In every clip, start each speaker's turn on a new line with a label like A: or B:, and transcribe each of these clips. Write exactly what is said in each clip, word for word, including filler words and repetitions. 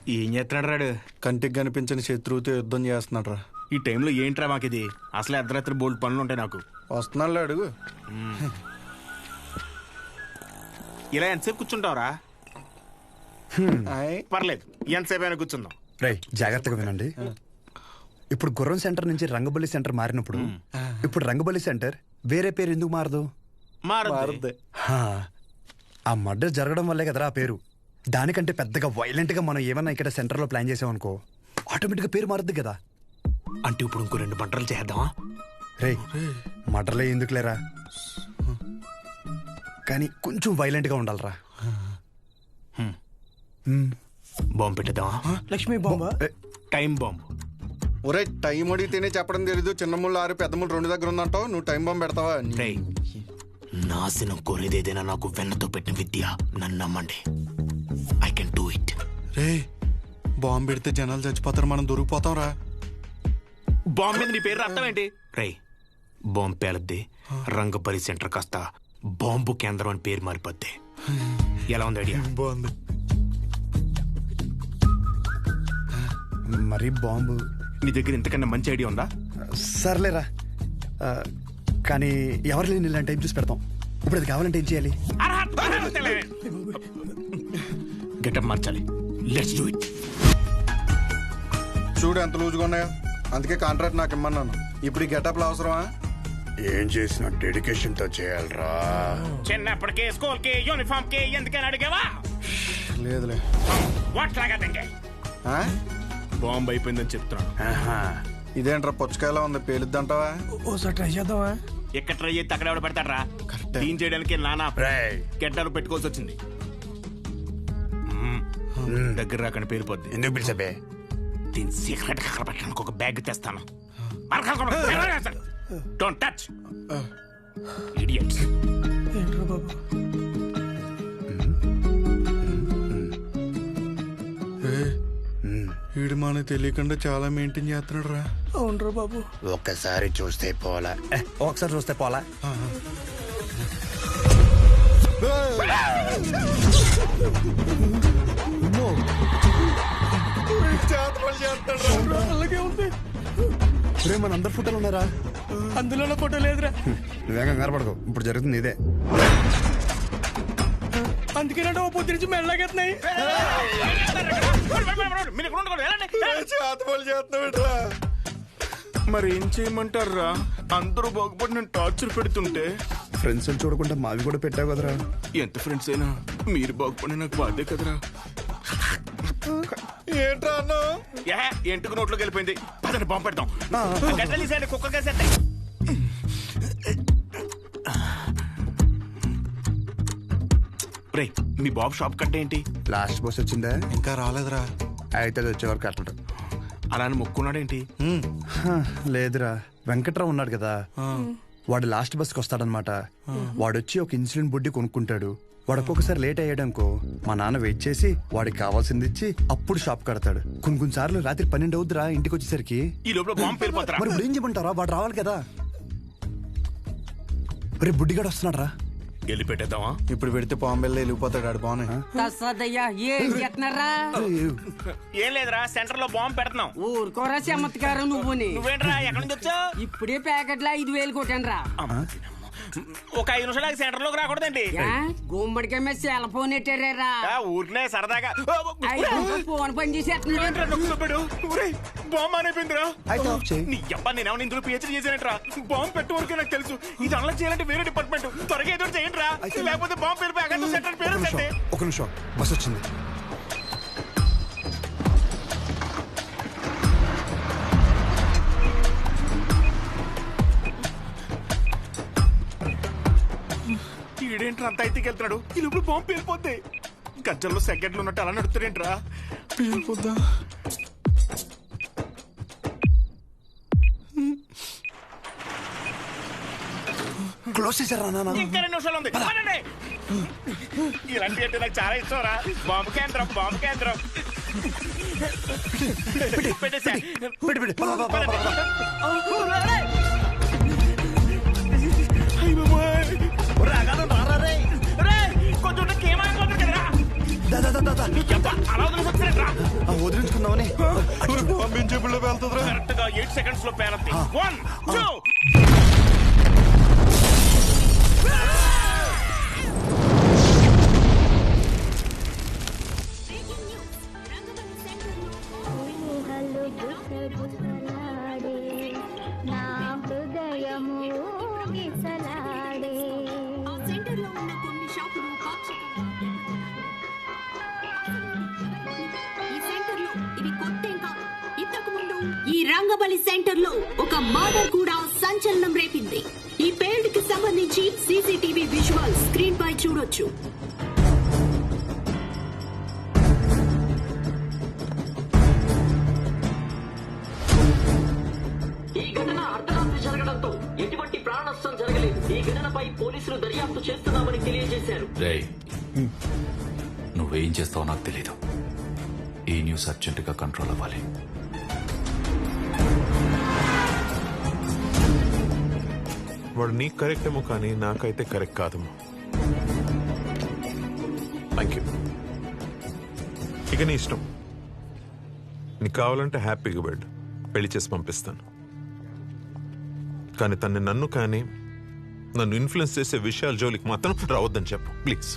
A: ఏం చేస్తున్నాడు రాడు?
B: కంటికి కనిపించని శత్రువుతో యుద్ధం చేస్తున్నాడు రా.
A: ఈ టైంలో ఏంట్రా మాకు ఇది? అసలే అర్ధరాత్రి బోల్డ్ పనులు ఉంటాయి నాకు.
B: వస్తున్నాడు అడుగు.
A: ఇలా ఎంతసేపు కూర్చుంటావురా? పర్లేదు, ఎంతసేపు అయినా కూర్చుందాం.
C: రై జాగ్రత్తగా వినండి. ఇప్పుడు గుర్రం సెంటర్ నుంచి రంగబల్లి సెంటర్ మారినప్పుడు ఇప్పుడు రంగబల్లి సెంటర్ వేరే పేరు ఎందుకు మారదు?
A: మారదు.
C: ఆ మర్డర్ జరగడం వల్లే కదరా ఆ పేరు. దానికంటే పెద్దగా వైలెంట్ గా మనం ఏమన్నా ఇక్కడ సెంటర్ లో ప్లాన్ చేసామనుకో ఆటోమేటిక్ గా పేరు మారుద్ది కదా.
A: అంటే ఇప్పుడు ఇంకో రెండు పంటలు చేద్దామా?
C: రే మర్డర్లే ఎందుకు లేరా, కానీ కొంచెం వైలెంట్ గా ఉండాలరా.
A: బాంబు పెట్టేద్దామా?
D: లక్ష్మీ బాంబా?
A: Time bomb.
B: ఒరే టైం అడిగితేనే చెప్పడం తెలీదు. చిన్న ముళ్ళు ఆరు పెద్ద ముళ్ళు రెండు దగ్గర ఉందంటావు, నువ్వు టైం బాంబు పెడతావా?
A: నాశనం కోరేదేదైనా నాకు వెన్నతో పెట్టిన విద్య, నన్ను నమ్మండి. I can do it.
B: రే బాంబు పెడితే జనాలు చచ్చిపోతారు, మనం దొరికిపోతాం రా.
A: బాంబు మీద నీ పేరు అర్థం ఏంటి? రే బాంబు పేలద్ది, రంగపల్లి సెంటర్ కాస్త బాంబు కేంద్రం అని పేరు మారిపోద్ది. ఎలా ఉంది ఐడియా?
B: బాగుంది.
C: మరి బాంబు
A: నీ దగ్గర ఇంతకన్నా మంచి ఐడియా ఉందా?
C: సర్లేరా, కానీ ఎవరు లేని ఇలాంటి టైం చూసి పెడతాం. ఇప్పుడు అది కావాలంటే ఏం చేయాలి?
A: గెటప్ మార్చాలి. Let's do it.
B: చూడు ఎంత లూజుగా ఉన్నాయో, అందుకే కాంట్రాక్ట్ నాకు ఇమ్మన్నాను. ఇప్పుడు ఈ గెటప్లు అవసరమా?
C: ఏం చేసిన డెడికేషన్ తో చేయాలరా.
A: చిన్నప్పటికే స్కూల్ కి యూనిఫామ్ కి ఎందుకని అడిగావా?
B: లేదులే.
A: వాట్ లాగా తింగే బాంబు అయిపోయిందని చెప్తున్నాను.
B: ఇదేంట్రా పుచ్చకాయలా ఉంది, పేలుద్దంటావా?
D: ఓసారి ట్రై చేద్దామా?
A: ఎక్కడ ట్రై చేస్తే అక్కడ ఎవడ పెడతాడరా? క్లీన్ చేయడానికి నానా గెడ్డలు పెట్టుకోవాల్సి వచ్చింది. దగ్గర రాకని పేలిపోద్ది.
C: ఎందుకు పిలిచబే?
A: దీని సీక్రెట్ అక్కడ పెట్టడానికి ఒక బ్యాగ్ తెస్తాను. Don't touch idiots.
D: ఏంట్రా బాబు?
B: వీడు మనకు తెలియకుండా చాలా మెయింటైన్ చేస్తున్నాడు రా.
D: అవునరా బాబు.
C: ఒక్కసారి చూస్తే పోలా, ఒకసారి చూస్తే పోలా.
D: అలాగే ఉంది.
C: రే మన అందరు ఫోటోలు ఉన్నారా?
D: అందులో ఫోటో లేదురా.
C: నువ్వేం కంగారు పడకు, ఇప్పుడు జరుగుతుంది ఇదే.
D: అందుకేనంటే ఓ పొద్దు నుంచి మెల్లగెత్తున్నాయి.
A: మరి ఏం చేయమంటారా? అందరూ బాగుపడి నేను టార్చర్ పెడుతుంటే
C: ఫ్రెండ్స్ చూడకుండా మావి కూడా పెట్టావు కదరా.
A: ఎంత ఫ్రెండ్స్ అయినా మీరు బాగుపడి నాకు బాధే కదరా.
B: ఏంట్రా అన్న
A: ఎంటుకు నోట్లోకి వెళ్ళిపోయింది. పదని బాంబు పెడతాం. గడ్డలు తీసేయండి, కుక్కలు కేసేస్తాయి. రే మీ బాబు షాప్ కట్ట ఏంటి?
C: లాస్ట్ బస్ వచ్చిందా?
B: ఇంకా రాలేదురా.
C: అయితే అది వచ్చేవారు కట్టడు.
A: అలా అని మొక్కున్నాడేంటి?
C: లేదురా, వెంకట్రావు ఉన్నాడు కదా, వాడు లాస్ట్ బస్కి వస్తాడనమాట. వాడొచ్చి ఒక ఇన్సులిన్ బుడ్డి కొనుక్కుంటాడు. వాడు ఒక్కొక్కసారి లేట్ అయ్యాడనుకో మా నాన్న వెయిట్ చేసి వాడికి కావాల్సింది ఇచ్చి అప్పుడు షాప్ కడతాడు. కొన్ని కొన్ని సార్లు రాత్రి పన్నెండు అవుద్దిరా ఇంటికి వచ్చేసరికి.
A: ఈ లోపల బాంబు పేలిపోతారా?
C: మరి ఇప్పుడు ఏం చెప్పంటారా? వాడు రావాలి కదా. మరి బుడ్డిగాడు వస్తున్నాడు రా.
A: వెళ్ళి పెట్టేద్దామా?
B: ఇప్పుడు పెడితే పాంబెల్లో వెళ్ళిపోతాడు ఆడు. బాగున్నాయి.
A: ఏం లేదురా, సెంటర్ లో బాంబు పెడుతున్నాం.
E: ఊరుకోరా చమత్కారం నువ్వు.
A: నువ్వేంట్రా ఎక్కడి నుంచి వచ్చావు?
E: ఇప్పుడే ప్యాకెట్ లో ఐదు వేలు కొట్టాను రా.
A: ఒక ఐదు నిమిషాలు సెంటర్ లోకి రాకూడదండి.
E: గుమ్మడికాయ మీద సెల్ ఫోన్ ఎట్టారా?
A: ఊరినే సరదాగా
E: ఫోన్ పని చేసేస్తున్నాడు.
A: బాంబు అయిపోయిందిరా. నీ అబ్బా నేనేమన్నా ఇందులో పిహెచ్డీ చేశానంటరా. బాంబు పెట్టే వరకే నాకు తెలుసు. ఇది అలా చేయాలంటే వేరే డిపార్ట్మెంట్. త్వరగా ఏదో చేయండి రా, లేకపోతే బాంబు పేరు అక్కడ సెంటర్ పేరు.
C: ఒక నిమిషం, బస్ వచ్చింది.
A: ఈడేంట్రా అంత అయితే వెళ్తున్నాడు? ఈ లోపల బాంబు పేలిపోద్ది. గజ్జల్లో సెకండ్లు ఉన్నట్టు అలా నడుస్తాడేంట్రా?
B: పేలిపోద్దా?
C: క్లోజ్ చేశారా నాన్న?
A: ఇంకా రెండు నిమిషాలు ఉంది. ఇలాంటి అంటే నాకు చాలా ఇష్టం రా. బాంబు కేంద్రం, బాంబు కేంద్రం. పెట్టేసా. కొంచెం కేమాయిపోతుంది కదరా. నీ అబ్బ అలా వదిలేసొచ్చానేంట్రా?
C: వదిలించుకుందామని
B: పంపించేపుల్లో వెళ్తుందిరా.
A: కరెక్ట్ గా ఎయిట్ సెకండ్స్ లో పేరద్ది. వన్ టూ
F: ఈ రంగబలి సెంటర్ లో ఒక మర్డర్ కూడా సంచలనం రేపింది. ఈ పేల్డ్ కి సంబంధించి సీసీటీవీ విజువల్ స్క్రీన్ పై చూడొచ్చు.
G: ఈ ఘటన అర్ధరాత్రి జరగడంతో ఎటువంటి ప్రాణ నష్టం జరగలేదు. ఈ ఘటనపై పోలీసులు దర్యాప్తు చేస్తున్నామని తెలియజేశారు.
H: రేయ్, నువ్వేం చేస్తావో నాకు తెలీదు. ఈ న్యూస్ అర్జెంట్ గా కంట్రోల్ అవ్వాలి.
I: వాడు నీకు కరెక్ట్ ఏమో కానీ నాకైతే కరెక్ట్ కాదమ్మా. Thank you. ఇక నీ ఇష్టం. నీకు కావాలంటే హ్యాపీగా బెడ్ పెళ్లి చేసి పంపిస్తాను. కానీ తన్ని నన్ను కానీ నన్ను ఇన్ఫ్లుయెన్స్ చేసే విషయాల జోలికి మాత్రం రావద్దని చెప్పు ప్లీజ్.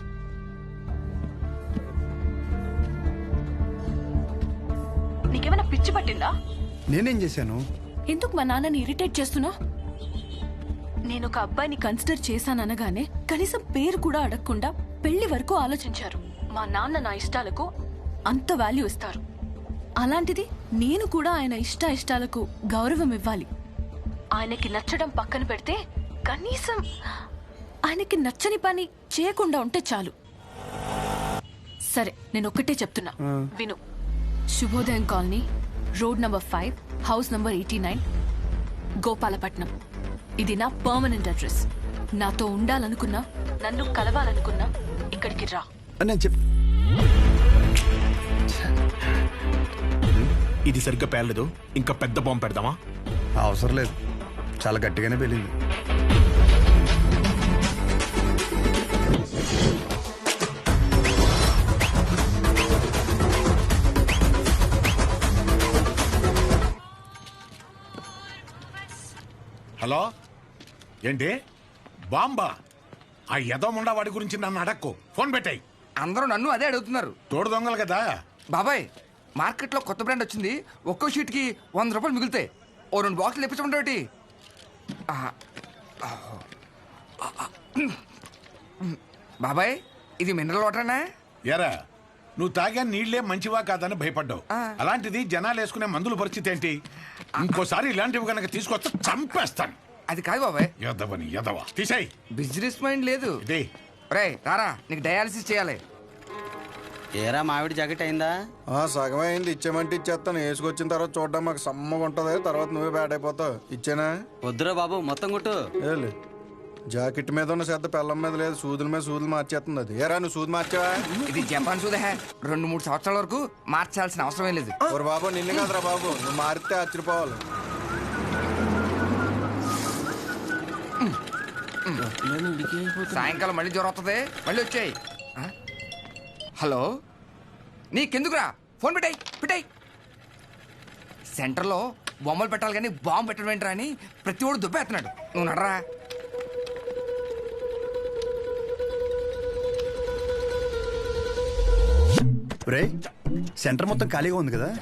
J: నీకేమైనా పిచ్చి పట్టిందా?
C: నేనేం చేశాను?
J: ఎందుకు మా నాన్నని ఇరిటేట్ చేస్తున్నా? నేను ఒక అబ్బాయిని కన్సిడర్ చేశాననగానే కనీసం పేరు కూడా అడగకుండా పెళ్లి వరకు ఆలోచించారు. మా నాన్న నా ఇష్టాలకు అంత వాల్యూ ఇస్తారు. అలాంటిది నేను కూడా ఆయన ఇష్ట ఇష్టాలకు గౌరవం ఇవ్వాలి. ఆయనకి నచ్చడం పక్కన పెడితే కనీసం ఆయనకి నచ్చని పని చేయకుండా ఉంటే చాలు. సరే, నేను ఒక్కటే చెప్తున్నా, విను. Shubhodayam colony, road number five, house number eighty nine, Gopalapatnam. ఇది నా పర్మనెంట్ అడ్రస్. నాతో ఉండాలనుకున్నా, నన్ను కలవాలనుకున్నా ఇక్కడికి రా.
C: నేను చెప్
A: ఇది సరిగ్గా పేర్లేదు. ఇంకా పెద్ద బాంబు పెడదామా?
C: అవసరం లేదు, చాలా గట్టిగానే పెళ్ళింది.
K: హలో, ఏంటి బాంబా? ఆ యదోముండా వాడి గురించి నన్ను అడక్కు. ఫోన్ పెట్టాయి.
L: అందరూ నన్ను అదే అడుగుతున్నారు.
K: తోడు దొంగలు కదా
L: బాబాయ్. మార్కెట్లో కొత్త బ్రాండ్ వచ్చింది. ఒక్కో షీట్కి వంద రూపాయలు మిగులుతాయి. ఓ రెండు బాక్సులు ఇప్పించమంటే బాబాయ్, ఇది మినరల్ వాటరేనా?
K: ఎరా, నువ్వు తాగా నీళ్లే మంచివా కాదని భయపడ్డావు. అలాంటిది జనాలు వేసుకునే మందుల పరిస్థితి ఏంటి? ఇంకోసారి ఇలాంటివి కనుక తీసుకొస్తే చంపేస్తాను.
L: అది కాదు బాబాయ్.
K: యదవని యదవ తీసాయి.
L: బిజినెస్ మైండ్ లేదు.
K: ఇదే
L: రే రారా, నీకు డయాలసిస్ చేయాలి.
M: ఏరా మామిడి జాకెట్ అయిందా?
B: సగం అయింది. ఇచ్చేమంటే ఇచ్చేస్తాను. వేసుకొచ్చిన తర్వాత చూడడం మాకు సమ్మగా ఉంటది. తర్వాత నువ్వే బ్యాడ్ అయిపోతావు. ఇచ్చేనా?
M: వద్దురా బాబు, మొత్తం కొట్టు.
B: ఏలే, జాకెట్ మీద ఉన్న శ్రద్ధ పెళ్ళం మీద లేదు. సూదుల మీద సూదులు మార్చేస్తుంది అది. ఏరా, నువ్వు సూది మార్చావా?
L: ఇది జపాన్ సూదే. రెండు మూడు సంవత్సరాల వరకు మార్చాల్సిన అవసరం లేదు.
B: ఓరు బాబు, నిన్ను కాదురా బాబు, నువ్వు మారితే ఆశ్చర్యపోవాలి.
L: సాయంకాలం మళ్ళీ జ్వరం వస్తుంది. మళ్ళీ వచ్చాయి. హలో, నీకెందుకురా? ఫోన్ పెట్టాయి పెట్టాయి. సెంటర్లో బొమ్మలు పెట్టాలి కానీ బాంబు పెట్టడం ఏంట్రా అని ప్రతి ఒడు దుబ్బేస్తున్నాడు. నువ్వు నడరా.
C: రే, సెంటర్ మొత్తం ఖాళీగా ఉంది కదా?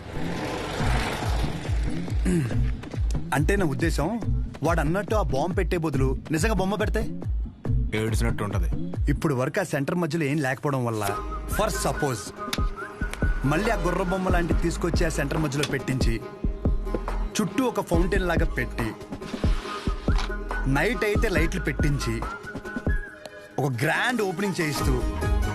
C: అంటే నా ఉద్దేశం, వాడు అన్నట్టు ఆ బాంబు పెట్టే బదులు నిజంగా బొమ్మ పెడితే
A: ఏడ్చినట్టు ఉంటది.
C: ఇప్పుడు వరకు ఆ సెంటర్ మధ్యలో ఏం లేకపోవడం వల్ల, ఫర్ సపోజ్ మళ్ళీ ఆ గుర్ర బొమ్మ లాంటివి తీసుకొచ్చి ఆ సెంటర్ మధ్యలో పెట్టించి చుట్టూ ఒక ఫౌంటైన్ లాగా పెట్టి నైట్ అయితే లైట్లు పెట్టించి ఒక గ్రాండ్ ఓపెనింగ్ చేయిస్తూ